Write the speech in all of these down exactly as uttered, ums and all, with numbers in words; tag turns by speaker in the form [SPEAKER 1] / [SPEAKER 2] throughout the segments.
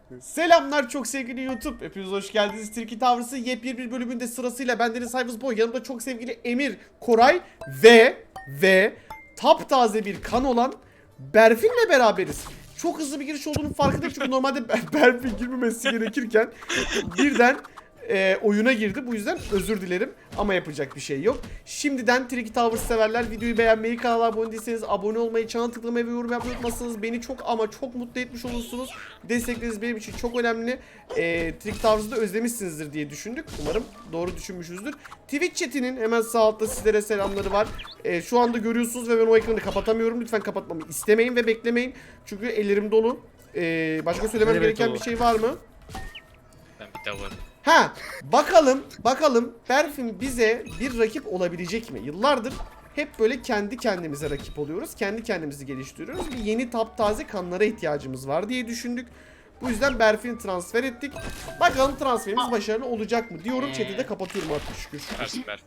[SPEAKER 1] Selamlar çok sevgili YouTube. Hepiniz hoş geldiniz. Tilki Tavrısı yepyeni bir bölümünde sırasıyla bendeniz Cyber Boy, yanımda çok sevgili Emir, Koray ve ve taptaze bir kan olan Berfin'le beraberiz. Çok hızlı bir giriş olduğunun farkındayım çünkü normalde Berfin girmemesi gerekirken birden e, oyuna girdi. Bu yüzden özür dilerim ama yapacak bir şey yok. Şimdiden Tilki Towers severler videoyu beğenmeyi, kanala abone değilseniz abone olmayı, çana tıklamayı ve yorum yapmayı unutmazsanız beni çok ama çok mutlu etmiş olursunuz. Destekleriniz benim için çok önemli. E, Tilki Towers'ı da özlemişsinizdir diye düşündük. Umarım doğru düşünmüşüzdür. Twitch chatinin hemen sağ altta sizlere selamları var. E, şu anda görüyorsunuz ve ben o ekranı kapatamıyorum. Lütfen kapatmamı istemeyin ve beklemeyin. Çünkü ellerim dolu. E, başka söylemem
[SPEAKER 2] Evet,
[SPEAKER 1] gereken
[SPEAKER 2] dolu.
[SPEAKER 1] bir şey var mı?
[SPEAKER 3] Ben bir daha varım.
[SPEAKER 1] Ha, bakalım, bakalım Berfin bize bir rakip olabilecek mi? Yıllardır hep böyle kendi kendimize rakip oluyoruz. Kendi kendimizi geliştiriyoruz. Bir yeni taptaze kanlara ihtiyacımız var diye düşündük. Bu yüzden Berfin'i transfer ettik. Bakalım transferimiz başarılı olacak mı diyorum. Chat'i de kapatıyorum artık şükür.
[SPEAKER 3] Versin ver.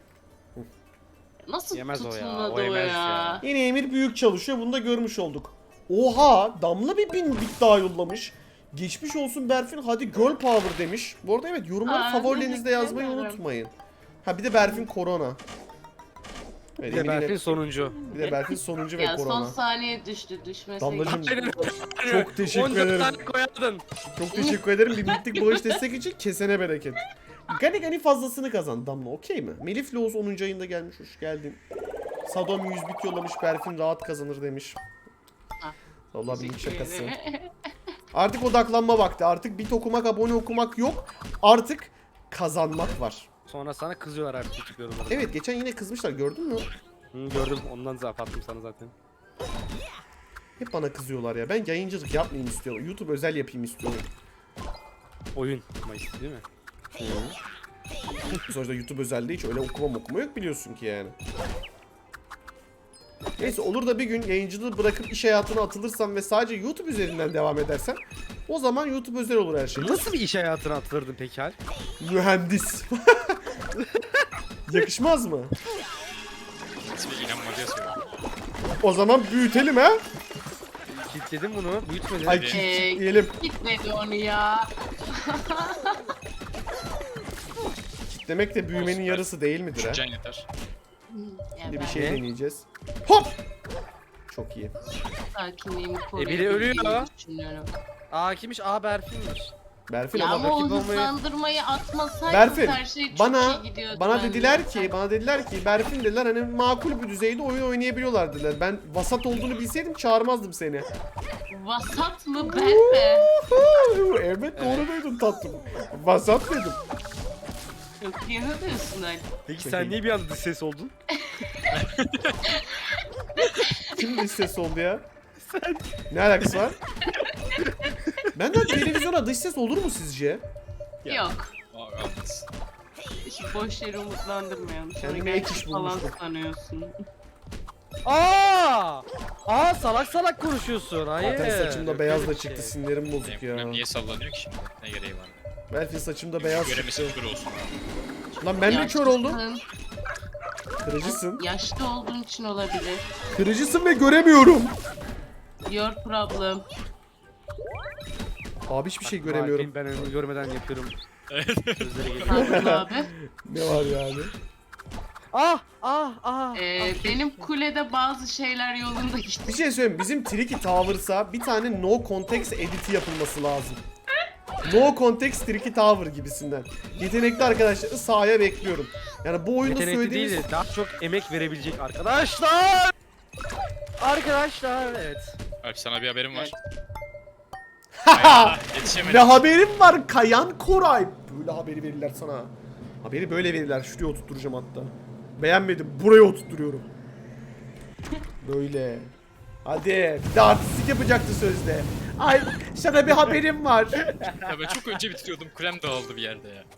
[SPEAKER 2] Nasıl
[SPEAKER 4] Yemez o ya,
[SPEAKER 2] tutulmadı
[SPEAKER 4] o
[SPEAKER 2] o ya?
[SPEAKER 4] yemez ya.
[SPEAKER 1] Yine Emir büyük çalışıyor. Bunu da görmüş olduk. Oha, Damla bir bin bit daha yollamış. Geçmiş olsun Berfin, hadi girl power demiş. Bu arada evet, yorumları
[SPEAKER 2] Aa,
[SPEAKER 1] favorilerinizde
[SPEAKER 2] teşekkür
[SPEAKER 1] yazmayı
[SPEAKER 2] ederim.
[SPEAKER 1] unutmayın. Ha bir de Berfin korona. Evet,
[SPEAKER 4] Bir de
[SPEAKER 1] Emir yine-
[SPEAKER 4] Berfin sonuncu.
[SPEAKER 1] bir de Berfin sonuncu ve
[SPEAKER 2] Ya son
[SPEAKER 1] korona.
[SPEAKER 2] saniye düştü, düşmeseydi.
[SPEAKER 1] Damlacığım,
[SPEAKER 4] Aynen.
[SPEAKER 1] çok teşekkür
[SPEAKER 4] on dört
[SPEAKER 1] ederim.
[SPEAKER 4] tane koyardın.
[SPEAKER 1] Çok teşekkür ederim. Bir mitlik bağış destek için kesene bereket. Gani gani fazlasını kazan Damla, okey mi? Melif Loğuz onuncu ayında gelmiş, hoş geldin. Sadom yüz bit yollamış, Berfin rahat kazanır demiş.
[SPEAKER 2] Ha.
[SPEAKER 1] Allah bir
[SPEAKER 2] Teşekkür
[SPEAKER 1] şakası.
[SPEAKER 2] ederim.
[SPEAKER 1] Artık odaklanma vakti. Artık bit okumak, abone okumak yok. Artık kazanmak var.
[SPEAKER 4] Sonra sana kızıyorlar artık YouTube yorumlarında.
[SPEAKER 1] Evet, geçen yine kızmışlar, gördün mü?
[SPEAKER 4] Hı, gördüm, ondan zaten attım sana zaten.
[SPEAKER 1] Hep bana kızıyorlar ya. Ben yayıncılık yapmayayım istiyorum. YouTube özel yapayım istiyorum.
[SPEAKER 4] Oyun Mayıs değil mi?
[SPEAKER 1] Sonuçta YouTube özel değil, hiç öyle okuma okuma yok biliyorsun ki yani. Neyse, olur da bir gün yayıncılığı bırakıp iş hayatına atılırsam ve sadece YouTube üzerinden devam edersem, o zaman YouTube özel olur her şey.
[SPEAKER 4] Nasıl bir iş hayatına atılırdın peki Hal?
[SPEAKER 1] Mühendis. Yakışmaz mı?
[SPEAKER 3] İsmi inanmadıya söylüyorum.
[SPEAKER 1] O zaman büyütelim ha.
[SPEAKER 4] Kilitledim bunu, büyütmedin.
[SPEAKER 1] Ay
[SPEAKER 3] Ee,
[SPEAKER 1] kitleyelim.
[SPEAKER 2] Gitmedi onu ya.
[SPEAKER 1] Demek de büyümenin
[SPEAKER 3] Olsun,
[SPEAKER 1] yarısı değil midir ha?
[SPEAKER 3] Şu can yeter.
[SPEAKER 2] Ya
[SPEAKER 1] Şimdi bir
[SPEAKER 2] ben
[SPEAKER 1] şey
[SPEAKER 4] Ne?
[SPEAKER 1] deneyeceğiz. Hop! Çok iyi.
[SPEAKER 2] sakinliğimi
[SPEAKER 4] E, biri ölüyor.
[SPEAKER 2] koruyabildiğimi düşünüyorum.
[SPEAKER 4] Aa kimmiş? Aa Berfin'miş.
[SPEAKER 1] Berfin
[SPEAKER 2] Ya
[SPEAKER 1] ama
[SPEAKER 2] ama o
[SPEAKER 1] rakip olmayı...
[SPEAKER 2] hızlandırmayı atmasaydınız
[SPEAKER 1] Berfin,
[SPEAKER 2] her şey çok
[SPEAKER 1] bana
[SPEAKER 2] iyi gidiyordu
[SPEAKER 1] bana
[SPEAKER 2] bence.
[SPEAKER 1] dediler ki, bana dediler ki Berfin dediler, hani makul bir düzeyde oyun oynayabiliyorlar dediler. Ben vasat olduğunu bilseydim çağırmazdım seni.
[SPEAKER 2] Vasat mı ben mi?
[SPEAKER 1] Evet, doğru duydun tatlım. Vasat dedim.
[SPEAKER 2] Çok iyi diyorsun Ali.
[SPEAKER 4] Peki
[SPEAKER 1] Çok
[SPEAKER 4] sen
[SPEAKER 1] iyi.
[SPEAKER 4] niye bir anda dış ses oldun?
[SPEAKER 1] Kim dış ses oldu ya? Sen. Ne alakası var? Benden televizyona dış ses olur mu sizce?
[SPEAKER 3] Ya.
[SPEAKER 2] Yok.
[SPEAKER 3] Aa, olmaz.
[SPEAKER 2] Hiç boş yere umutlandırmayalım. Sonra
[SPEAKER 1] Kendime ek iş
[SPEAKER 2] gerçek falan
[SPEAKER 1] bulmuştum.
[SPEAKER 2] sanıyorsun.
[SPEAKER 4] Aa! Aa salak salak konuşuyorsun. Hayır.
[SPEAKER 1] Zaten saçımda
[SPEAKER 4] Yok
[SPEAKER 1] beyaz
[SPEAKER 4] öyle
[SPEAKER 1] da
[SPEAKER 4] bir
[SPEAKER 1] çıktı,
[SPEAKER 4] şey.
[SPEAKER 1] sinirlerim bozuk
[SPEAKER 3] Benim
[SPEAKER 1] ya.
[SPEAKER 3] kulem niye sallanıyor ki şimdi? Ne gereği var?
[SPEAKER 1] Berfin saçımda beyaz
[SPEAKER 3] Göremesi
[SPEAKER 1] çıktı.
[SPEAKER 3] kör olsun.
[SPEAKER 1] Lan ben de kör oldum.
[SPEAKER 2] Yaşlısın,
[SPEAKER 1] Kırıcısın.
[SPEAKER 2] Yaşlı olduğun için olabilir.
[SPEAKER 1] Kırıcısın ve göremiyorum.
[SPEAKER 2] Your problem.
[SPEAKER 1] Abi hiçbir şey
[SPEAKER 4] Bak,
[SPEAKER 1] göremiyorum.
[SPEAKER 4] Ben önümü görmeden yapıyorum. Sözleri geliyor.
[SPEAKER 2] Haklı abi.
[SPEAKER 1] Ne var yani?
[SPEAKER 4] Ah ah ah.
[SPEAKER 2] Ee, benim kulede bazı şeyler yolunda gitti.
[SPEAKER 1] Bir şey söyleyeyim, bizim Tricky Towers'a bir tane no context editi yapılması lazım. No context Tricky Tower gibisinden. Yetenekli arkadaşları sahaya bekliyorum. Yani bu oyunda
[SPEAKER 4] Yetenekli
[SPEAKER 1] söylediğimiz...
[SPEAKER 4] değil de daha çok emek verebilecek arkadaşlar. Arkadaşlar evet.
[SPEAKER 3] Alp sana bir haberim var.
[SPEAKER 1] Haha!
[SPEAKER 3] Ay, yetişemedim.
[SPEAKER 1] Ve haberim var Kayan Koray. Böyle haberi verirler sana. Haberi böyle verirler. Şuraya oturtturacağım hatta. Beğenmedim. Buraya oturtturuyorum. Böyle. Hadi. Bir de artistik yapacaktı sözde. Ay sana bir haberim var.
[SPEAKER 3] Ya ben çok önce bitiriyordum. Kulem dağıldı bir yerde ya.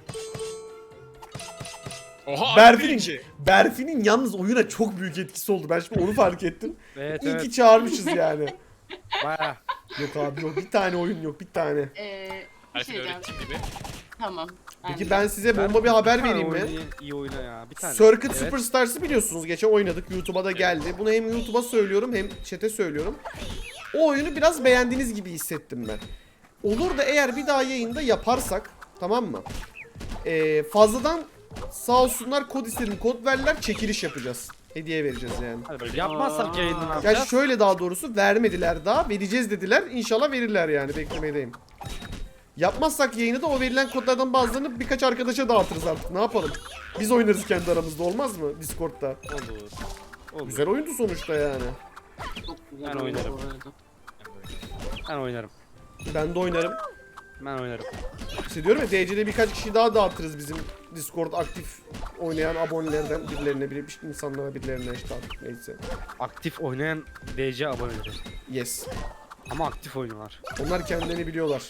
[SPEAKER 3] Oha,
[SPEAKER 1] Berfin'in,
[SPEAKER 3] birinci.
[SPEAKER 1] Berfin'in yalnız oyuna çok büyük etkisi oldu. Ben şimdi onu fark ettim.
[SPEAKER 4] Evet
[SPEAKER 1] İyi
[SPEAKER 4] evet.
[SPEAKER 1] ki çağırmışız yani.
[SPEAKER 4] Baya.
[SPEAKER 1] Yok abi yok. Bir tane oyun yok. Bir tane.
[SPEAKER 2] Ee, bir
[SPEAKER 3] Alp'in
[SPEAKER 2] şey diyeceğim.
[SPEAKER 3] öğrettiğim gibi.
[SPEAKER 2] Tamam.
[SPEAKER 1] Peki
[SPEAKER 2] de.
[SPEAKER 1] ben size bomba bir haber vereyim mi?
[SPEAKER 4] İyi, iyi oyna ya. Bir tane.
[SPEAKER 1] Circuit
[SPEAKER 4] Evet.
[SPEAKER 1] Superstars'ı biliyorsunuz. Geçen oynadık. YouTube'a da geldi. Bunu hem YouTube'a söylüyorum hem chat'e söylüyorum. O oyunu biraz beğendiğiniz gibi hissettim ben. Olur da eğer bir daha yayında yaparsak, tamam mı? Ee, fazladan sağ olsunlar kod istedim, kod verdiler, çekiliş yapacağız. Hediye vereceğiz yani.
[SPEAKER 4] Hadi böyle yapmazsak yayını ne
[SPEAKER 1] Ya
[SPEAKER 4] yapacağız?
[SPEAKER 1] şöyle, daha doğrusu vermediler daha, vereceğiz dediler. İnşallah verirler yani, beklemedeyim. Yapmazsak yayını da o verilen kodlardan bazılarını birkaç arkadaşa dağıtırız artık. Ne yapalım? Biz oynarız kendi aramızda, olmaz mı Discord'da?
[SPEAKER 4] Olur. Olur.
[SPEAKER 1] Güzel oyundu sonuçta yani.
[SPEAKER 2] Çok güzel
[SPEAKER 4] Ben
[SPEAKER 2] oldu
[SPEAKER 4] oynarım.
[SPEAKER 2] bu arada.
[SPEAKER 4] Ben oynarım.
[SPEAKER 1] Ben de oynarım.
[SPEAKER 4] Ben oynarım.
[SPEAKER 1] İşte diyorum ya, D C'de birkaç kişi daha dağıtırız bizim Discord aktif oynayan abonelerden birilerine, biri insanlara, birilerine işte artık neyse.
[SPEAKER 4] Aktif oynayan D C aboneleri.
[SPEAKER 1] Yes.
[SPEAKER 4] Ama aktif oynuyorlar.
[SPEAKER 1] Onlar kendilerini biliyorlar.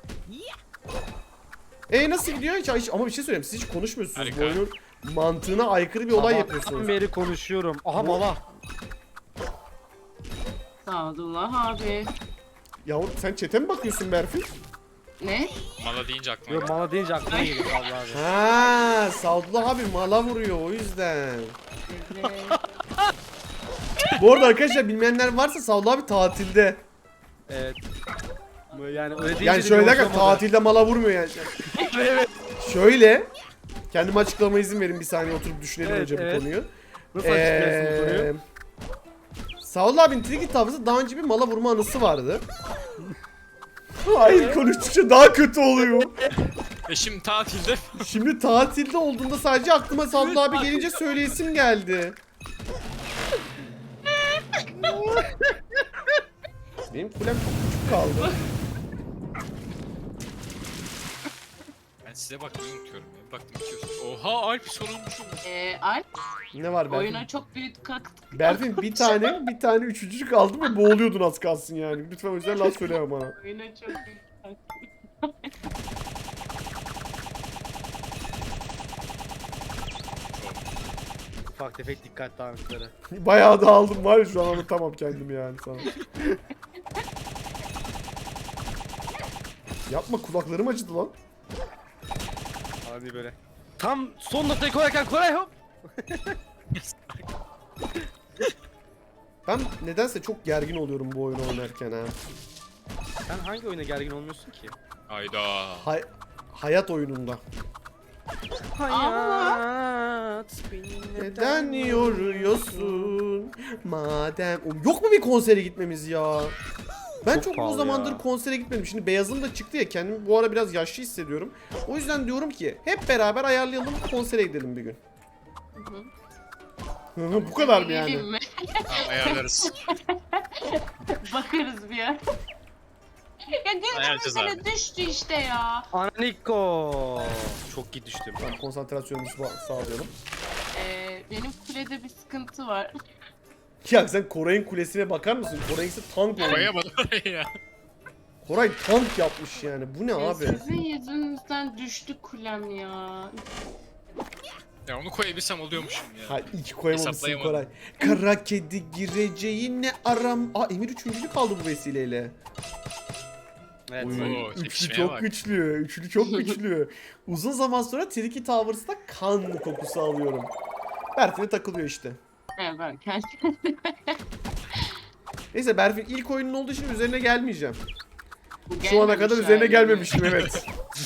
[SPEAKER 1] E nasıl gidiyor? Hiç, hiç- ama bir şey söyleyeyim, siz hiç konuşmuyorsunuz. Bu
[SPEAKER 3] Harika.
[SPEAKER 1] oyunun mantığına aykırı bir olay
[SPEAKER 4] Sabahtan
[SPEAKER 1] yapıyorsunuz.
[SPEAKER 4] beri konuşuyorum. Aha mala.
[SPEAKER 2] Sadullah abi.
[SPEAKER 1] Yavrum sen çete mi bakıyorsun Berfin?
[SPEAKER 2] Ne?
[SPEAKER 3] Mala deyince aklıma
[SPEAKER 4] Yok
[SPEAKER 3] geldi.
[SPEAKER 4] mala deyince aklıma geliyor Allah abi.
[SPEAKER 1] Ha, Sadullah abi mala vuruyor o yüzden.
[SPEAKER 2] Evet.
[SPEAKER 1] Bu arada arkadaşlar, bilmeyenler varsa Sadullah abi tatilde.
[SPEAKER 4] Evet. Bu Yani öyle deyince
[SPEAKER 1] Yani
[SPEAKER 4] de
[SPEAKER 1] şöyle
[SPEAKER 4] bir
[SPEAKER 1] derken
[SPEAKER 4] hoşlamadı.
[SPEAKER 1] tatilde mala vurmuyor yani.
[SPEAKER 4] Evet.
[SPEAKER 1] Şöyle, kendime açıklama izin verin, bir saniye oturup düşünelim
[SPEAKER 4] Evet,
[SPEAKER 1] önce
[SPEAKER 4] evet.
[SPEAKER 1] bu konuyu.
[SPEAKER 4] Nasıl açıklarsın bu konuyu?
[SPEAKER 1] Ee, Sadullah abinin Tricky tavrısı daha önce bir mala vurma anısı vardı. Hayır, konuştukça daha kötü oluyor.
[SPEAKER 3] E şimdi tatilde
[SPEAKER 1] Şimdi tatilde olduğunda sadece aklıma Sadullah abi gelince söyleyesim geldi. Benim kulem çok küçük kaldı.
[SPEAKER 3] ben size bakmayı unutuyorum ya. Baktım içiyorsunuz. Oha Alp sorulmuşum.
[SPEAKER 2] Ee, Alp
[SPEAKER 1] Ne var Berfin?
[SPEAKER 2] oyuna çok büyük katkı.
[SPEAKER 1] Berfin bir tane bir tane üçüncülük aldım ve boğuluyordun az kalsın yani. Lütfen o yüzden laf söyleme bana.
[SPEAKER 2] Oyuna çok büyük katkı.
[SPEAKER 4] Ufak tefek dikkat dağınıkları.
[SPEAKER 1] Bayağı da aldım var ya, şu an anlatamam kendimi yani sana. Yapma, kulaklarım acıdı lan.
[SPEAKER 4] Hadi böyle. Tam son noktayı koyarken Koray hop.
[SPEAKER 1] Ben nedense çok gergin oluyorum bu oyunu oynarken ha.
[SPEAKER 4] Sen hangi oyuna gergin olmuyorsun ki?
[SPEAKER 3] Hayda.
[SPEAKER 1] Hay- hayat oyununda.
[SPEAKER 4] Hayat beni
[SPEAKER 1] Neden yoruyorsun madem... Oğlum, yok mu bir konsere gitmemiz ya? Ben çok,
[SPEAKER 4] Çok
[SPEAKER 1] uzun
[SPEAKER 4] pahalı
[SPEAKER 1] zamandır
[SPEAKER 4] ya.
[SPEAKER 1] konsere gitmedim. Şimdi beyazım da çıktı ya, kendimi bu ara biraz yaşlı hissediyorum. O yüzden diyorum ki hep beraber ayarlayalım, konsere gidelim bir gün. Hı hı, bu kadar mı yani?
[SPEAKER 2] Geleyim mi?
[SPEAKER 3] Tamam ayarlarız.
[SPEAKER 2] Bakarız bir yer. Ya gözüm
[SPEAKER 3] Ayarlayacağız
[SPEAKER 2] böyle
[SPEAKER 3] abi.
[SPEAKER 2] düştü işte ya.
[SPEAKER 4] Aniko. Çok iyi düştüm.
[SPEAKER 1] Tamam, konsantrasyonumuzu sa- sağlayalım.
[SPEAKER 2] Ee, benim kulede bir sıkıntı var.
[SPEAKER 1] Ya sen Koray'ın kulesine bakar mısın? Koray'ınki tank olmuş.
[SPEAKER 3] Koyamadım oraya ya.
[SPEAKER 1] Koray tank yapmış yani. Bu ne
[SPEAKER 2] Ee,
[SPEAKER 1] abi?
[SPEAKER 2] Sizin yüzünüzden düştü kulem ya.
[SPEAKER 3] Ya onu koyabilsem oluyormuşum ya.
[SPEAKER 1] Ha, iki koyamamışsın
[SPEAKER 3] Hesaplayamadım.
[SPEAKER 1] Koray. Kara kedi gireceği ne aram... Aa, Emir üçüncülü kaldı bu vesileyle.
[SPEAKER 4] Evet.
[SPEAKER 1] Oy,
[SPEAKER 3] Oo,
[SPEAKER 1] üçlü
[SPEAKER 3] tepişmeye
[SPEAKER 1] çok
[SPEAKER 3] bak.
[SPEAKER 1] güçlü. Üçlü çok güçlü. Uzun zaman sonra Tricky Towers'ta kan kokusu alıyorum. Berfin'e takılıyor işte.
[SPEAKER 2] Evet ben kendim.
[SPEAKER 1] Neyse, Berfin ilk oyunun olduğu için üzerine gelmeyeceğim.
[SPEAKER 2] Bu
[SPEAKER 1] Şu ana
[SPEAKER 2] gelmemiş
[SPEAKER 1] kadar üzerine
[SPEAKER 2] hali.
[SPEAKER 1] gelmemiştim, evet.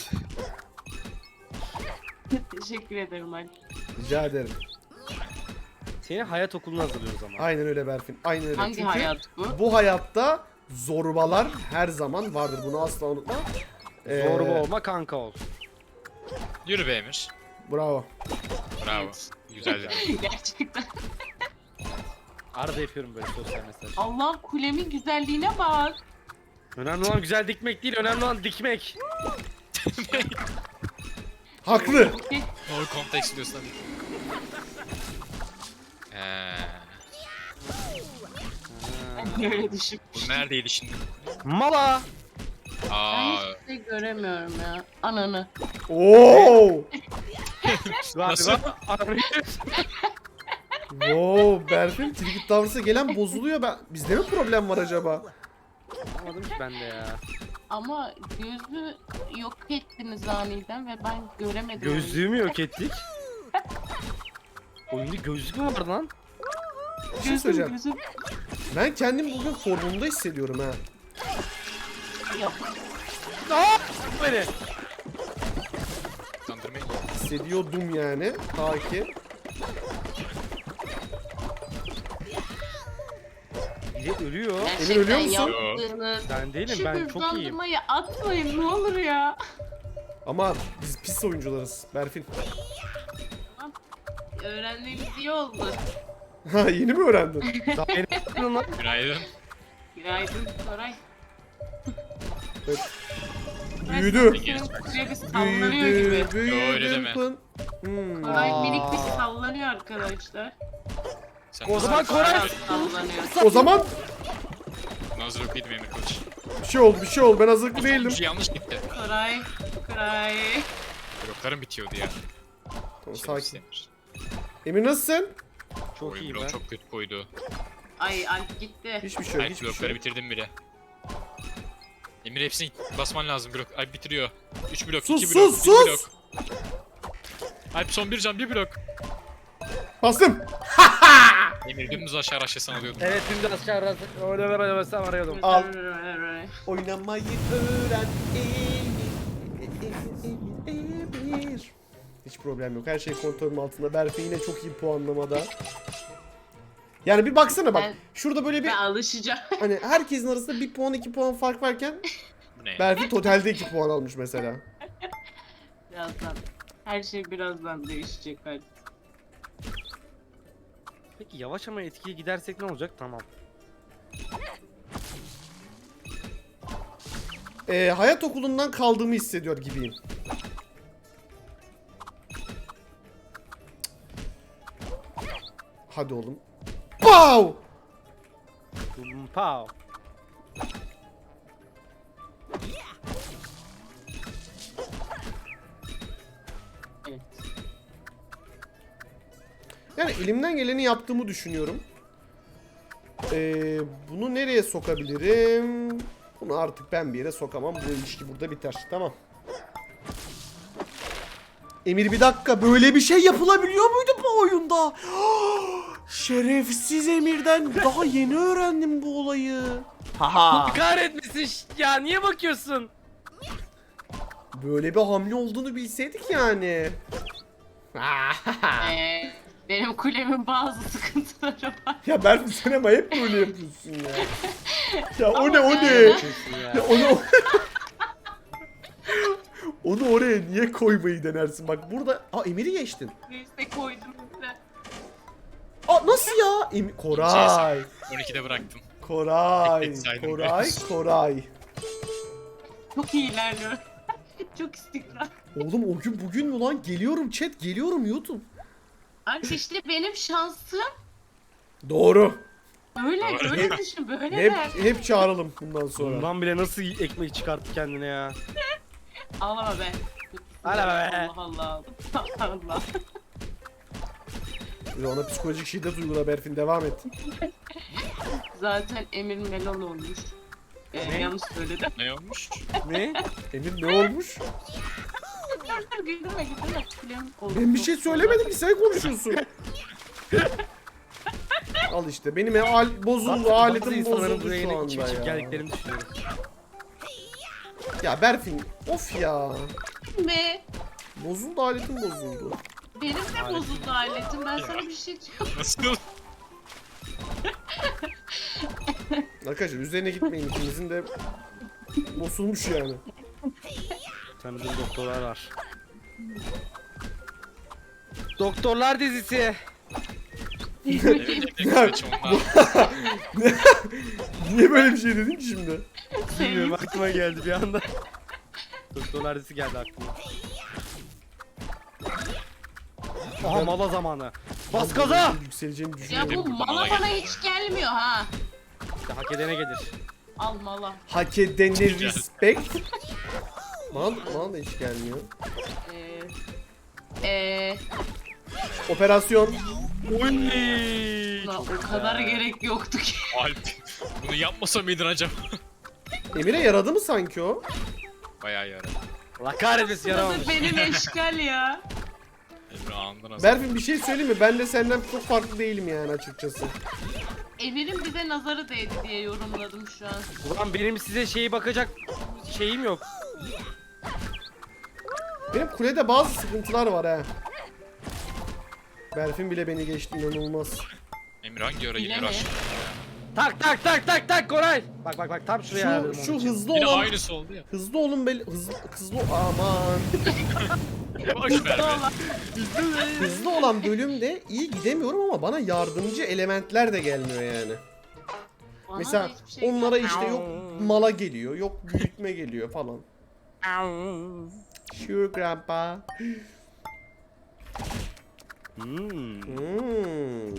[SPEAKER 2] Teşekkür ederim Ali.
[SPEAKER 1] Rica ederim.
[SPEAKER 4] Seni hayat okuluna hazırlıyoruz ama.
[SPEAKER 1] Aynen öyle Berfin. Aynen öyle.
[SPEAKER 2] Hangi
[SPEAKER 1] Çünkü
[SPEAKER 2] hayat bu?
[SPEAKER 1] bu hayatta zorbalar her zaman vardır. Bunu asla unutma. Ee,
[SPEAKER 4] Zorba olma kanka ol.
[SPEAKER 3] Yürü be Emir.
[SPEAKER 1] Bravo.
[SPEAKER 3] Bravo.
[SPEAKER 2] Evet.
[SPEAKER 3] Güzel yani.
[SPEAKER 2] Gerçekten.
[SPEAKER 4] Arada yapıyorum böyle sosyal mesaj.
[SPEAKER 2] Allah kulemin güzelliğine bak.
[SPEAKER 4] Önemli olan güzel dikmek değil, önemli olan dikmek.
[SPEAKER 1] Haklı.
[SPEAKER 3] No context diyorsan. Eee.
[SPEAKER 2] Öyle düşün.
[SPEAKER 3] Bu neredeydi şimdi?
[SPEAKER 4] Mala.
[SPEAKER 2] Ben
[SPEAKER 3] Aa.
[SPEAKER 2] hiçbir şey göremiyorum ya. Ananı.
[SPEAKER 1] Oo!
[SPEAKER 3] Nasıl?
[SPEAKER 1] Wow, Berfin Tricky Towers'a gelen bozuluyor. Ben bizde mi problem var acaba?
[SPEAKER 4] Anlamadım ki ben de ya.
[SPEAKER 2] Ama gözü yok ettiniz aniden ve ben göremedim.
[SPEAKER 4] Gözlüğü mü yok ettik? Oyunda gözlük mü var lan?
[SPEAKER 1] Bir şey
[SPEAKER 2] Gözüm,
[SPEAKER 1] söyleyeceğim.
[SPEAKER 2] gözüm.
[SPEAKER 1] Ben kendimi bugün formumda hissediyorum ha.
[SPEAKER 2] Yok.
[SPEAKER 4] Aa! Beni.
[SPEAKER 3] Kandırmayın.
[SPEAKER 1] Hissediyordum yani. Ta ki.
[SPEAKER 4] Biri ölüyor.
[SPEAKER 1] Emir ölüyor musun?
[SPEAKER 2] yaptığınız
[SPEAKER 4] Ben değilim,
[SPEAKER 2] şu
[SPEAKER 4] ben çok iyiyim.
[SPEAKER 2] hızlandırmayı atmayın ne olur ya.
[SPEAKER 1] Ama biz pis oyuncularız. Berfin.
[SPEAKER 2] Öğrendiğimiz iyi oldu.
[SPEAKER 1] Ha yeni mi öğrendin?
[SPEAKER 4] Daha beni lan.
[SPEAKER 3] Günaydın.
[SPEAKER 2] Günaydın Koray.
[SPEAKER 1] Evet. Büyüdü.
[SPEAKER 2] Sürekli sallanıyor gibi.
[SPEAKER 1] Büyüdü.
[SPEAKER 3] Yo, öyle
[SPEAKER 1] Büyüdü.
[SPEAKER 3] deme.
[SPEAKER 1] Pın. Hmm.
[SPEAKER 2] Koray
[SPEAKER 4] Aa.
[SPEAKER 2] minik bir sallanıyor arkadaşlar.
[SPEAKER 3] Sen
[SPEAKER 4] O zaman
[SPEAKER 3] nasıl-
[SPEAKER 4] Koray-
[SPEAKER 2] Sallanıyor.
[SPEAKER 1] O zaman
[SPEAKER 3] Nazır okuyordum Emir Kılıç.
[SPEAKER 1] bir şey oldu bir şey oldu. Ben hazırlıklı değildim.
[SPEAKER 3] Değildim. yanlış gitti.
[SPEAKER 2] Koray. Koray.
[SPEAKER 3] Bloklarım bitiyordu ya.
[SPEAKER 1] Tamam,
[SPEAKER 3] Şerefsiz
[SPEAKER 1] sakin.
[SPEAKER 3] Emir.
[SPEAKER 1] Emir nasılsın?
[SPEAKER 4] Çok
[SPEAKER 3] Oyun
[SPEAKER 4] iyiyim
[SPEAKER 3] blok
[SPEAKER 4] ben.
[SPEAKER 3] çok kötü koydu.
[SPEAKER 2] Ay Alp gitti.
[SPEAKER 1] Hiçbir şey yok.
[SPEAKER 3] Alp
[SPEAKER 1] Hiçbir
[SPEAKER 3] blokları
[SPEAKER 1] şey yok.
[SPEAKER 3] bitirdim bile. Emir hepsini basman lazım blok. Alp bitiriyor. üç blok,
[SPEAKER 1] Sus,
[SPEAKER 3] iki blok,
[SPEAKER 1] sus,
[SPEAKER 3] bir
[SPEAKER 1] sus!
[SPEAKER 3] blok. Alp son bir can, bir blok.
[SPEAKER 1] Bastım.
[SPEAKER 3] Emir dümdüz aşağı aşağısını alıyordum.
[SPEAKER 4] Evet dün de aşağı arası. Orada ben arasam arıyordum.
[SPEAKER 1] Al. Oynamayı öğren Emir, Emir. Hiç problem yok. Her şey kontrolüm altında. Berfe yine çok iyi puanlamada. Yani bir baksana bak.
[SPEAKER 2] Ben-
[SPEAKER 1] Şurada böyle bir
[SPEAKER 2] Ben alışacağım.
[SPEAKER 1] hani herkesin arasında bir puan iki puan fark varken
[SPEAKER 3] Bu ne?
[SPEAKER 1] Berfe totalde iki puan almış mesela.
[SPEAKER 2] Birazdan. Her şey birazdan değişecek hadi.
[SPEAKER 4] Peki yavaş ama etkili gidersek ne olacak? Tamam.
[SPEAKER 1] Ee, hayat okulundan kaldığımı hissediyor gibiyim. Hadi oğlum. Pow!
[SPEAKER 4] Bum, Pow.
[SPEAKER 2] Evet.
[SPEAKER 1] Yani elimden geleni yaptığımı düşünüyorum. Ee, bunu nereye sokabilirim? Bunu artık ben bir yere sokamam. Bu ilişki burada biter. Tamam. Emir bir dakika. Böyle bir şey yapılabiliyor muydu bu oyunda? Şerefsiz Emir'den daha yeni öğrendim bu olayı. Haha.
[SPEAKER 4] Kahretmesin ş- ya niye bakıyorsun?
[SPEAKER 1] Böyle bir hamle olduğunu bilseydik yani.
[SPEAKER 2] Ee, benim kulemin bazı sıkıntıları var.
[SPEAKER 1] Ya Berfin sen ama hep böyle yapıyorsun ya. Ya o
[SPEAKER 2] Ama
[SPEAKER 1] ne o
[SPEAKER 2] yani-
[SPEAKER 1] ne?
[SPEAKER 4] Ya.
[SPEAKER 1] Ya onu onu oraya niye koymayı denersin? Bak burada aa Emir'i geçtin.
[SPEAKER 2] Neyse koydum size.
[SPEAKER 1] Aa nasıl ya? Em Koray.
[SPEAKER 3] on ikide bıraktım.
[SPEAKER 1] Koray.
[SPEAKER 3] Tek tek saydım
[SPEAKER 1] Koray.
[SPEAKER 3] biraz.
[SPEAKER 1] Koray.
[SPEAKER 2] Çok iyi ilerliyorum. Çok istikrar.
[SPEAKER 1] Oğlum o gün bugün mü lan? Geliyorum chat, geliyorum YouTube.
[SPEAKER 2] Alp işte benim şansım.
[SPEAKER 1] Doğru.
[SPEAKER 2] Böyle
[SPEAKER 3] Doğru.
[SPEAKER 2] böyle düşün böyle
[SPEAKER 1] Hep
[SPEAKER 2] der.
[SPEAKER 1] hep çağıralım bundan sonra.
[SPEAKER 4] Bundan bile nasıl ekmek çıkarttı kendine ya.
[SPEAKER 2] Ağlama be.
[SPEAKER 4] Ağlama be.
[SPEAKER 2] Allah Allah. Allah.
[SPEAKER 1] Ve ona psikolojik şiddet uygula Berfin, devam et.
[SPEAKER 2] Zaten Emir melon olmuş. Ee,
[SPEAKER 4] Ne?
[SPEAKER 2] yanlış söyledim.
[SPEAKER 3] Ne olmuş?
[SPEAKER 4] Ne?
[SPEAKER 1] Emir ne olmuş?
[SPEAKER 2] Dur dur güldürme güldürme. Kulem oldu.
[SPEAKER 1] Ben bir şey söylemedim ki, sen konuşuyorsun. Al işte benim al bozuldu,
[SPEAKER 4] Bazı
[SPEAKER 1] aletim
[SPEAKER 4] insanların
[SPEAKER 1] bozuldu
[SPEAKER 4] buraya
[SPEAKER 1] şu
[SPEAKER 4] yine içip
[SPEAKER 1] anda
[SPEAKER 4] içip
[SPEAKER 1] ya.
[SPEAKER 4] geldiklerini düşünüyorum.
[SPEAKER 1] Ya Berfin of ya.
[SPEAKER 2] Be.
[SPEAKER 1] Bozuldu, aletim bozuldu.
[SPEAKER 2] Benim de bozuldu aletim. Ben sana bir şey diyorum.
[SPEAKER 3] Nasıl?
[SPEAKER 1] Arkadaşlar üzerine gitmeyin, ikinizin de bozulmuş yani.
[SPEAKER 4] Tanıdığım doktorlar var. Doktorlar dizisi.
[SPEAKER 3] Evet, evet, onlar.
[SPEAKER 1] Niye böyle bir şey dedin ki şimdi?
[SPEAKER 4] Bilmiyorum aklıma geldi bir anda. Doktorlar dizisi geldi aklıma. Aha
[SPEAKER 1] Ben-
[SPEAKER 4] mala zamanı. Bas
[SPEAKER 1] Ben
[SPEAKER 4] gaza!
[SPEAKER 1] böyle Yükseleceğini
[SPEAKER 2] Ya
[SPEAKER 1] düşünüyorum.
[SPEAKER 2] bu mala bana hiç gelmiyor ha.
[SPEAKER 4] İşte hak edene gelir.
[SPEAKER 2] Al mala.
[SPEAKER 1] Hak edene respect. Bana, bana da hiç gelmiyor.
[SPEAKER 2] Ee, ee,
[SPEAKER 1] Operasyon.
[SPEAKER 4] Oy!
[SPEAKER 2] la,
[SPEAKER 4] Çok
[SPEAKER 2] o kadar
[SPEAKER 4] güzel.
[SPEAKER 2] gerek yoktu ki.
[SPEAKER 3] Alp. Bunu yapmasa mıydın acaba?
[SPEAKER 1] Emir'e yaradı mı sanki o?
[SPEAKER 3] Bayağı yaradı.
[SPEAKER 4] Allah kahretmesin yaramamış.
[SPEAKER 2] Tadı benim eşkal ya.
[SPEAKER 3] Emre anında nasıl?
[SPEAKER 1] Berfin bir şey söyleyeyim mi? Ben de senden çok farklı değilim yani açıkçası.
[SPEAKER 2] Emir'in bize nazarı değdi diye yorumladım şu an.
[SPEAKER 4] Ulan benim size şeyi bakacak şeyim yok.
[SPEAKER 1] Benim kulede bazı sıkıntılar var ha. Berfin bile beni geçti, inanılmaz.
[SPEAKER 3] Emir hangi ara yine
[SPEAKER 2] Yine mi?
[SPEAKER 3] rush?
[SPEAKER 4] Tak tak tak tak tak Koray. Bak bak bak tam şuraya
[SPEAKER 1] Şu,
[SPEAKER 4] ayarladım
[SPEAKER 1] şu
[SPEAKER 4] onun için.
[SPEAKER 1] hızlı
[SPEAKER 3] Yine
[SPEAKER 1] olan,
[SPEAKER 3] aynısı oldu ya.
[SPEAKER 1] hızlı olun bel, hızlı, hızlı, aman.
[SPEAKER 3] Boş ver be.
[SPEAKER 1] Hızlı olan bölümde iyi gidemiyorum ama bana yardımcı elementler de gelmiyor yani.
[SPEAKER 2] Bana
[SPEAKER 1] Mesela
[SPEAKER 2] da hiçbir şey
[SPEAKER 1] onlara
[SPEAKER 2] gelmedi.
[SPEAKER 1] işte yok mala geliyor, yok büyütme geliyor falan. Sure grandpa.
[SPEAKER 4] Hmm.
[SPEAKER 1] Hmm.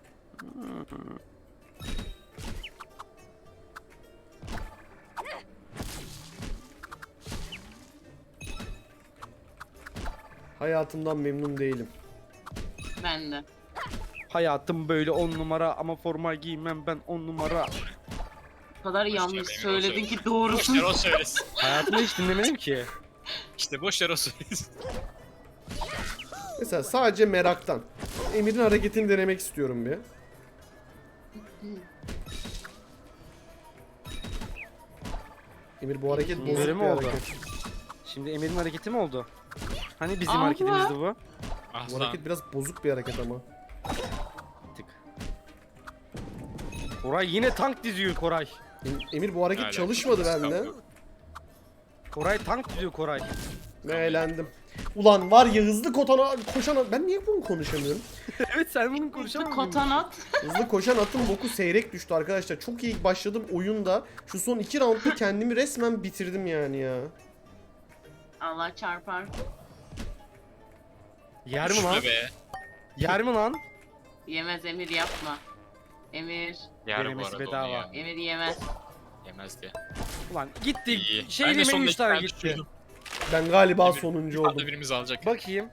[SPEAKER 1] Hayatımdan memnun değilim.
[SPEAKER 2] Ben de.
[SPEAKER 4] Hayatım böyle on numara ama forma giymem ben on numara.
[SPEAKER 2] O kadar
[SPEAKER 3] Boş ver,
[SPEAKER 2] yanlış
[SPEAKER 3] Emir, o
[SPEAKER 2] söyledin
[SPEAKER 3] söylesin.
[SPEAKER 2] ki
[SPEAKER 3] Boş
[SPEAKER 2] doğrusun.
[SPEAKER 3] ver o söylesin.
[SPEAKER 4] Hayatımda hiç dinlemedim ki.
[SPEAKER 3] İşte boş ver o söylesin.
[SPEAKER 1] Mesela sadece meraktan. Emir'in hareketini denemek istiyorum bir. Emir bu hareket
[SPEAKER 2] Öyle
[SPEAKER 1] bozuk
[SPEAKER 4] mi
[SPEAKER 1] bir
[SPEAKER 4] oldu?
[SPEAKER 1] hareket.
[SPEAKER 4] Şimdi Emir'in hareketi mi oldu? Hani bizim
[SPEAKER 2] Allah.
[SPEAKER 4] hareketimizdi bu?
[SPEAKER 3] Ah
[SPEAKER 1] Bu
[SPEAKER 3] lan.
[SPEAKER 1] hareket biraz bozuk bir hareket ama.
[SPEAKER 4] Tık. Koray yine tank diziyor Koray.
[SPEAKER 1] Em- Emir bu hareket
[SPEAKER 3] Hala.
[SPEAKER 1] çalışmadı bende.
[SPEAKER 4] Koray tank diziyor Koray.
[SPEAKER 1] Ve eğlendim. Ulan var ya hızlı kotana koşan at- ben niye bunu konuşamıyorum?
[SPEAKER 4] Evet sen bunu
[SPEAKER 2] Hızlı
[SPEAKER 4] konuşamadın.
[SPEAKER 2] kotanat.
[SPEAKER 1] Hızlı koşan atın boku seyrek düştü arkadaşlar. Çok iyi başladım oyunda. Şu son iki roundda kendimi resmen bitirdim yani ya.
[SPEAKER 2] Allah çarpar.
[SPEAKER 4] Yer mi lan?
[SPEAKER 3] Şurada be.
[SPEAKER 4] Yer mi lan?
[SPEAKER 2] Yemez Emir yapma. Emir.
[SPEAKER 3] Yer bu
[SPEAKER 4] Denemesi
[SPEAKER 3] arada
[SPEAKER 4] bedava.
[SPEAKER 3] onu ya.
[SPEAKER 2] Emir yemez.
[SPEAKER 3] Yemez diye.
[SPEAKER 4] Ulan gitti.
[SPEAKER 3] İyi.
[SPEAKER 4] Şey
[SPEAKER 3] Ben de
[SPEAKER 4] yemeği
[SPEAKER 3] sonunda
[SPEAKER 4] üç
[SPEAKER 3] iki
[SPEAKER 4] tane
[SPEAKER 3] tane
[SPEAKER 4] gitti.
[SPEAKER 3] düşürdüm.
[SPEAKER 1] Ben galiba
[SPEAKER 3] Emir,
[SPEAKER 1] sonuncu
[SPEAKER 3] Arada
[SPEAKER 1] oldum.
[SPEAKER 3] birimiz alacak.
[SPEAKER 4] Bakayım.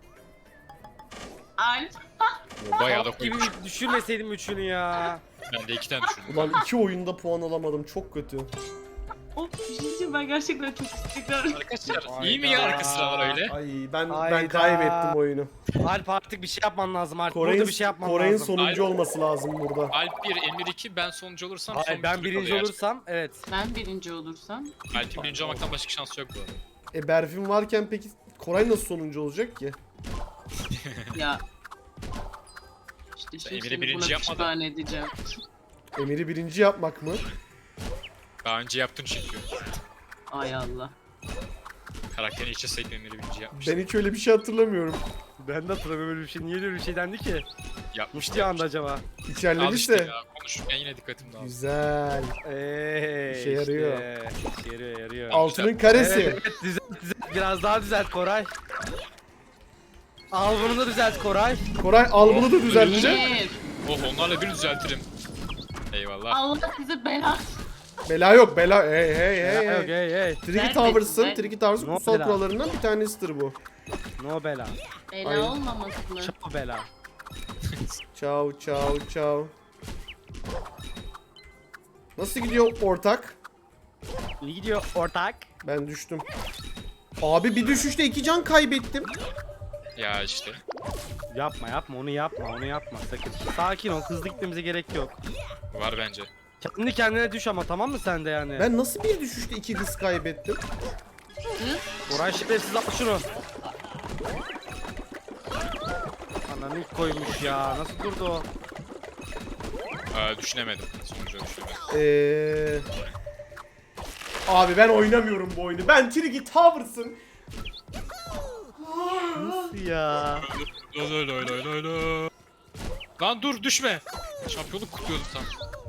[SPEAKER 2] Alp.
[SPEAKER 3] Bayağı da
[SPEAKER 4] Bak gibi
[SPEAKER 3] koymuş.
[SPEAKER 4] düşürmeseydim üçünü ya.
[SPEAKER 3] Ben de iki tane düşürdüm.
[SPEAKER 1] Ulan iki oyunda puan alamadım. Çok kötü.
[SPEAKER 2] Of bir şey diyeceğim, ben gerçekten çok istiklal.
[SPEAKER 3] Arkadaşlar iyi mi ya arka sıralar öyle?
[SPEAKER 1] Ay ben ben
[SPEAKER 4] Hayda.
[SPEAKER 1] kaybettim oyunu.
[SPEAKER 4] Alp artık bir şey yapman lazım Alp.
[SPEAKER 1] Koray'ın
[SPEAKER 4] Burada bir şey yapman
[SPEAKER 1] Koray'ın
[SPEAKER 4] lazım.
[SPEAKER 1] sonuncu
[SPEAKER 3] Alp-
[SPEAKER 1] olması lazım burada.
[SPEAKER 3] Alp bir, Emir iki, ben sonuncu olursam son
[SPEAKER 4] Hayır ben
[SPEAKER 3] tur
[SPEAKER 4] birinci
[SPEAKER 3] kalıyor
[SPEAKER 4] olursam evet.
[SPEAKER 2] Ben birinci olursam.
[SPEAKER 3] gerçekten. Alp'in birinci olmaktan başka şansı yok bu arada.
[SPEAKER 1] E Berfin varken peki Koray nasıl sonuncu olacak ki?
[SPEAKER 2] Ya. İşte
[SPEAKER 3] Sen
[SPEAKER 2] şimdi
[SPEAKER 3] Emir'i
[SPEAKER 2] seni
[SPEAKER 3] birinci
[SPEAKER 2] buna
[SPEAKER 3] yapmadın.
[SPEAKER 2] pişman edeceğim.
[SPEAKER 1] Emir'i birinci yapmak mı?
[SPEAKER 3] Daha önce yaptın çünkü.
[SPEAKER 2] Ay Allah.
[SPEAKER 3] Karakterini içe sayıp Emir'i birinci yapmıştın.
[SPEAKER 1] Ben hiç öyle bir şey hatırlamıyorum.
[SPEAKER 4] Ben de hatırlamıyorum öyle bir şey. Niye öyle bir şey dendi ki?
[SPEAKER 3] Yapmıştı
[SPEAKER 4] Muşti anda acaba?
[SPEAKER 3] Al
[SPEAKER 1] İçerlemiş
[SPEAKER 3] işte
[SPEAKER 1] de.
[SPEAKER 3] ya, konuşurken yine dikkatim dağıldı.
[SPEAKER 1] Güzel.
[SPEAKER 4] Eee
[SPEAKER 1] İşe yarıyor.
[SPEAKER 4] Işte. İşe yarıyor yarıyor.
[SPEAKER 1] Altının karesi.
[SPEAKER 4] Evet, evet düzelt düzelt. Biraz daha düzelt Koray. Al bunu da düzelt Koray.
[SPEAKER 1] Koray al bunu da düzeltecek.
[SPEAKER 2] Emir.
[SPEAKER 3] Oh onlarla bir düzeltirim. Eyvallah.
[SPEAKER 2] Allah sizi bela.
[SPEAKER 1] Bela yok bela. Hey hey hey
[SPEAKER 4] Hey
[SPEAKER 1] hey.
[SPEAKER 4] hey hey.
[SPEAKER 1] Tricky
[SPEAKER 2] Ver
[SPEAKER 1] Towers'ın,
[SPEAKER 2] ver.
[SPEAKER 1] Tricky Towers'ın
[SPEAKER 4] No
[SPEAKER 1] kutsal
[SPEAKER 4] bela.
[SPEAKER 1] kurallarından bir tanesidir bu.
[SPEAKER 4] No bela.
[SPEAKER 2] Bela
[SPEAKER 1] Ay.
[SPEAKER 2] olmaması mı?
[SPEAKER 4] Çapa bela.
[SPEAKER 1] Ciao ciao ciao. Nasıl gidiyor ortak?
[SPEAKER 4] İyi gidiyor ortak.
[SPEAKER 1] Ben düştüm. Abi bir düşüşte iki can kaybettim.
[SPEAKER 3] Ya işte.
[SPEAKER 4] Yapma yapma onu yapma onu yapma sakın. Sakin ol hızlı gitmemize gerek yok.
[SPEAKER 3] Var bence.
[SPEAKER 4] Kendi kendine düş ama tamam mı sen de yani?
[SPEAKER 1] Ben nasıl bir düşüşte iki hız kaybettim?
[SPEAKER 4] Koray şerefsiz al şunu. Ananı ilk koymuş ya nasıl durdu o?
[SPEAKER 3] Aa, düşünemedim. Sonucu düşünemedim.
[SPEAKER 1] Eee... Abi ben oynamıyorum bu oyunu. Ben Tricky Towers'ın.
[SPEAKER 4] Nasıl ya?
[SPEAKER 3] Lo lo lo lo lo lo. Lan dur düşme. Şampiyonluk kutluyordum tam.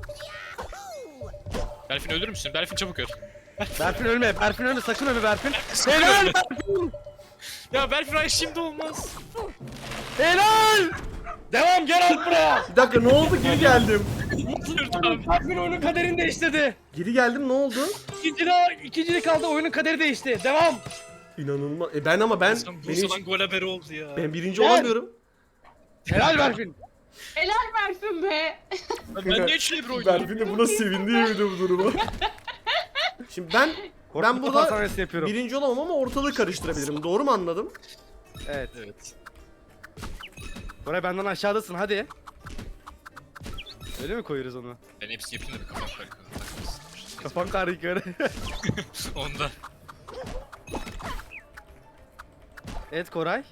[SPEAKER 3] Berfin ölür müsün? Berfin çabuk öl.
[SPEAKER 4] Berfin ölme Berfin ölme sakın ölme Berfin.
[SPEAKER 3] Sakın
[SPEAKER 4] Helal
[SPEAKER 3] ölme.
[SPEAKER 4] Berfin.
[SPEAKER 3] Ya Berfin ay şimdi olmaz.
[SPEAKER 4] Helal. Devam gel al buraya.
[SPEAKER 1] Bir dakika ne oldu? Geri geldim.
[SPEAKER 3] Dur tamam.
[SPEAKER 4] Berfin oyunun kaderini değiştirdi.
[SPEAKER 1] Geri geldim ne oldu?
[SPEAKER 4] İkincide, ikincilik kaldı oyunun kaderi değişti. Devam.
[SPEAKER 1] İnanılmaz. E ben ama ben
[SPEAKER 3] Sen
[SPEAKER 1] beni
[SPEAKER 3] Bursa'dan
[SPEAKER 1] hiç-
[SPEAKER 3] gol haberi oldu ya.
[SPEAKER 1] ben birinci
[SPEAKER 4] Gel.
[SPEAKER 1] olamıyorum.
[SPEAKER 4] Helal Berfin.
[SPEAKER 2] Helal versin be.
[SPEAKER 3] Ben niye üçle bir oynuyorum?
[SPEAKER 1] Berfin de buna sevindi yemin bu duruma. Şimdi ben ben burada
[SPEAKER 4] hastanesi yapıyorum.
[SPEAKER 1] birinci olamam ama ortalığı karıştırabilirim. Doğru mu anladım?
[SPEAKER 4] Evet.
[SPEAKER 3] Evet.
[SPEAKER 4] Koray benden aşağıdasın hadi. Öyle mi koyuyoruz onu?
[SPEAKER 3] Ben hepsini yapayım da bir kafam karışık.
[SPEAKER 4] Kafam karı yukarı.
[SPEAKER 3] Onda.
[SPEAKER 4] Evet Koray.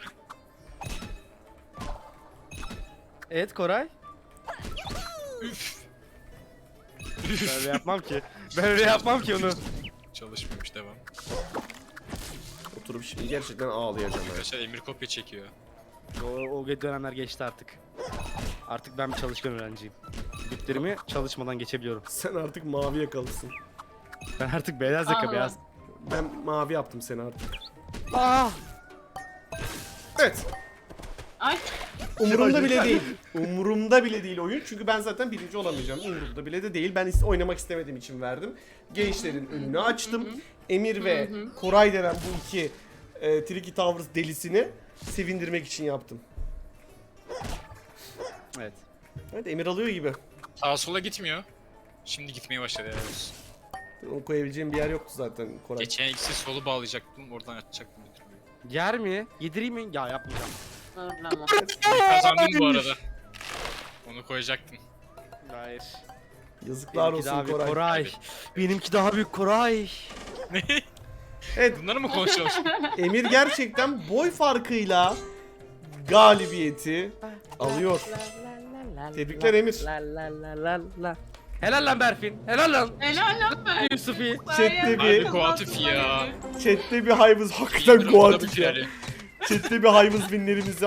[SPEAKER 4] Evet Koray.
[SPEAKER 3] Üf.
[SPEAKER 4] Ben öyle yapmam ki. Ben öyle yapmam ki onu.
[SPEAKER 3] Çalışmıyormuş, devam.
[SPEAKER 1] Oturup şimdi gerçekten ağlayacağım. ya.
[SPEAKER 3] Arkadaşlar Emir kopya çekiyor.
[SPEAKER 4] O, o dönemler geçti artık. Artık ben bir çalışkan öğrenciyim. Bütlerimi çalışmadan geçebiliyorum.
[SPEAKER 1] Sen artık mavi yakalısın.
[SPEAKER 4] Ben artık beyaz yaka
[SPEAKER 2] Allah.
[SPEAKER 4] beyaz.
[SPEAKER 1] Ben mavi yaptım seni artık.
[SPEAKER 4] Ah!
[SPEAKER 1] Evet.
[SPEAKER 2] Ay
[SPEAKER 1] Umurumda bile değil. Umurumda bile değil oyun. Çünkü ben zaten birinci olamayacağım. Umurumda bile de değil. Ben is- oynamak istemediğim için verdim. Gençlerin önünü açtım. Emir ve Koray denen bu iki e, Tricky Towers delisini sevindirmek için yaptım.
[SPEAKER 4] Evet.
[SPEAKER 1] Evet, Emir alıyor gibi.
[SPEAKER 3] Sağa sola gitmiyor. Şimdi gitmeye başladı evet.
[SPEAKER 1] Onu koyabileceğim bir yer yoktu zaten Koray.
[SPEAKER 3] Geçen ikisi solu bağlayacaktım, oradan açacaktım. bitirmeyi.
[SPEAKER 4] Yer mi? Yedireyim mi? Ya yapmayacağım.
[SPEAKER 2] zorlama.
[SPEAKER 3] Kazandım bu arada. Onu koyacaktım.
[SPEAKER 4] Hayır.
[SPEAKER 1] Yazıklar
[SPEAKER 4] Benimki daha
[SPEAKER 1] olsun
[SPEAKER 4] büyük
[SPEAKER 1] Koray.
[SPEAKER 4] Koray.
[SPEAKER 3] Evet.
[SPEAKER 4] Benimki daha büyük Koray.
[SPEAKER 1] Evet,
[SPEAKER 3] Bunları mı konuşuyoruz?
[SPEAKER 1] Emir gerçekten boy farkıyla galibiyeti alıyor. Tebrikler Emir.
[SPEAKER 4] Helal lan Berfin. Helal lan.
[SPEAKER 2] Helal lan be.
[SPEAKER 4] Yusufi.
[SPEAKER 1] Chatte
[SPEAKER 3] Abi
[SPEAKER 1] bir,
[SPEAKER 3] Kuatif ya.
[SPEAKER 1] chatte bir hayvız hakikaten
[SPEAKER 3] Emir'in
[SPEAKER 1] kuatif
[SPEAKER 3] tabii
[SPEAKER 1] ya.
[SPEAKER 3] ki yani.
[SPEAKER 1] Chatte bir hayvız binlerimizi